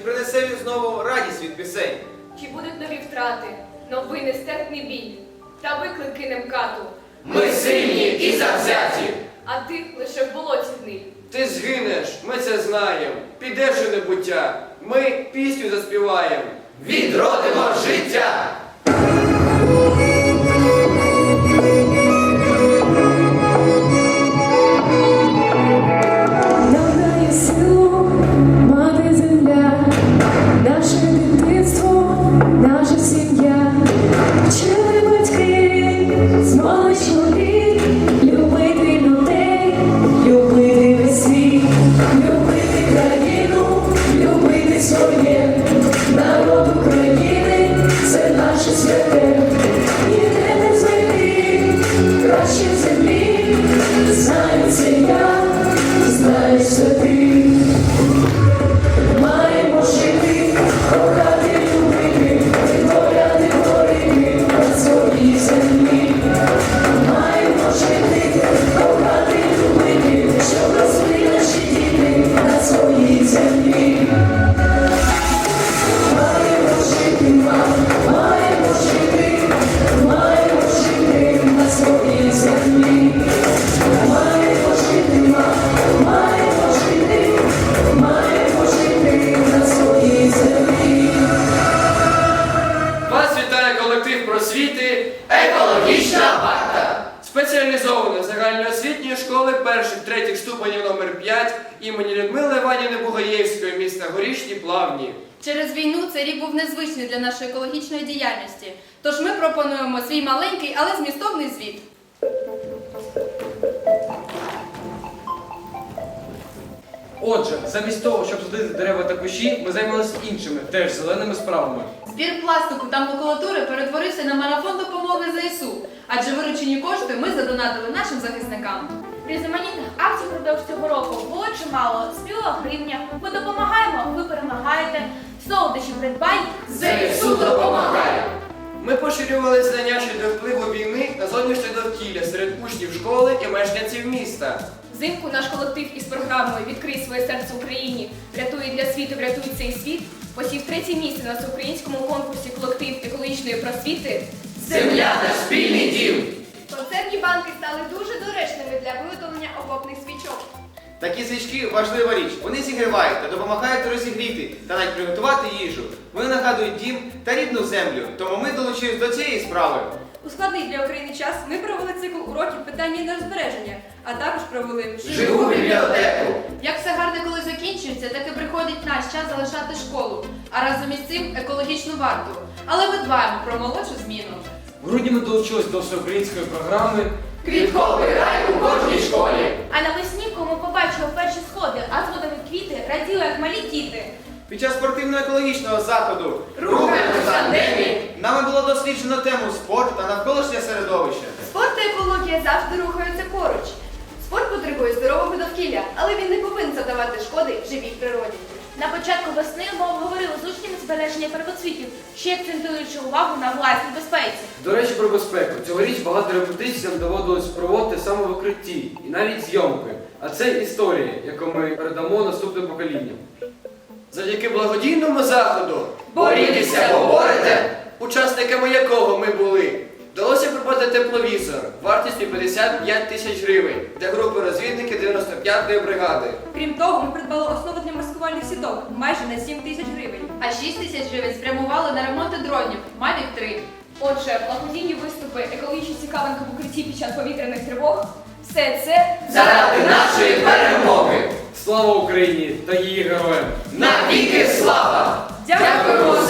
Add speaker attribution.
Speaker 1: принесе він знову радість від пісень?
Speaker 2: Чи будуть нові втрати, новий нестерпний біль та виклики немкату?
Speaker 3: Ми сильні і завзяті.
Speaker 2: А ти лише в болоті гниль.
Speaker 3: Ти згинеш, ми це знаємо. Підеш у небуття, ми пісню заспіваємо. Відродимо життя!
Speaker 4: Надає силу, мати земля, наше дитинство, наша сім'я. Вчили батьки, з маличку літ, любити людей, любити весь світ, любити країну, любити своє. Народ України – це наше святе. Ніде не знайти краще в землі, знаю це я. Знаєш це ти, маємо жити, кохати, любити, витворяти творити на своїй землі. Маємо жити, кохати, любити, щоб росли наші діти на своїй землі. Маємо жити, маємо жити, маємо жити на своїй землі. Маємо жити, маємо жити на своїй землі.
Speaker 3: Вас вітає колектив просвіти «Екологічна варта» спеціалізованої загальноосвітньої школи перших-третіх ступенів номер 5 імені Людмили Іванівни Бугаєвської міста Горішні Плавні.
Speaker 5: Через війну цей рік був незвичний для нашої екологічної діяльності. Тож ми пропонуємо свій маленький, але змістовний звіт.
Speaker 6: Отже, замість того, щоб садити дерева та кущі, ми займалися іншими, теж зеленими справами.
Speaker 5: Збір пластику та макулатури перетворився на марафон допомоги ЗСУ, адже виручені кошти ми задонатили нашим захисникам.
Speaker 7: Різноманітних акцій впродовж цього року було чимало. Співа гривня, ми допомагаємо, ви перемагаєте, солодощі придбай,
Speaker 3: ЗСУ допомагає! Ми поширювали знання щодо впливу війни на зовнішнє довкілля серед учнів школи і мешканців міста.
Speaker 2: Взимку наш колектив із програмою «Відкрий своє серце Україні, врятує для світу, врятуй цей світ» посів 3-є місце на всеукраїнському конкурсі «Колектив екологічної просвіти».
Speaker 3: Земля – наш спільний дім!
Speaker 2: Концертні банки стали дуже доречними для виготовлення окопних свічок.
Speaker 1: Такі свічки – важлива річ. Вони зігрівають та допомагають розігріти та навіть приготувати їжу. Вони нагадують дім та рідну землю, тому ми долучились до цієї справи.
Speaker 5: У складний для України час ми провели цикл уроків питання енергозбереження, а також провели
Speaker 3: Живу бібліотеку!
Speaker 5: Як все гарне коли закінчується, так і приходить наш час залишати школу, а разом із цим екологічну варту. Але ми дбаємо про молодшу зміну.
Speaker 6: В грудні ми долучились до всеукраїнської програми
Speaker 3: Квітковий рай у кожній школі!
Speaker 7: А навесні, кому побачили перші сходи, а згодом і квіти, раділи, як малі діти.
Speaker 1: Під час спортивно-екологічного заходу
Speaker 3: Рухаємось тандемі!
Speaker 1: нами було досліджено тему спорт та навколишнє середовище.
Speaker 2: Спорт та екологія завжди рухаються поруч. Спорт потребує здорового довкілля, але він не повинен завдавати шкоди живій природі.
Speaker 7: На початку весни ми обговорили з учнями збереження первоцвітів, ще акцентуючи увагу на власній безпеці.
Speaker 6: До речі, про безпеку. Цьогоріч багато репетицій нам доводилось проводити саме в укритті і навіть зйомки. А це історія, яку ми передамо наступним поколінням.
Speaker 3: Завдяки благодійному заходу «Борітеся, поборете», учасниками якого ми були, вдалося придбати тепловізор вартістю 55 тисяч гривень для групи розвідників 95-ї бригади.
Speaker 5: Крім того, ми придбали основу для маскувальних сіток майже на 7 тисяч гривень. А 6 тисяч гривень спрямували на ремонти дронів Mavic 3.
Speaker 2: Отже, благодійні виступи, екологічні цікавинки в укритті під час повітряних тривог – все це
Speaker 3: Заради нашої перемоги!
Speaker 6: Слава Україні та її героям!
Speaker 3: Навіки слава!
Speaker 2: Дякуємо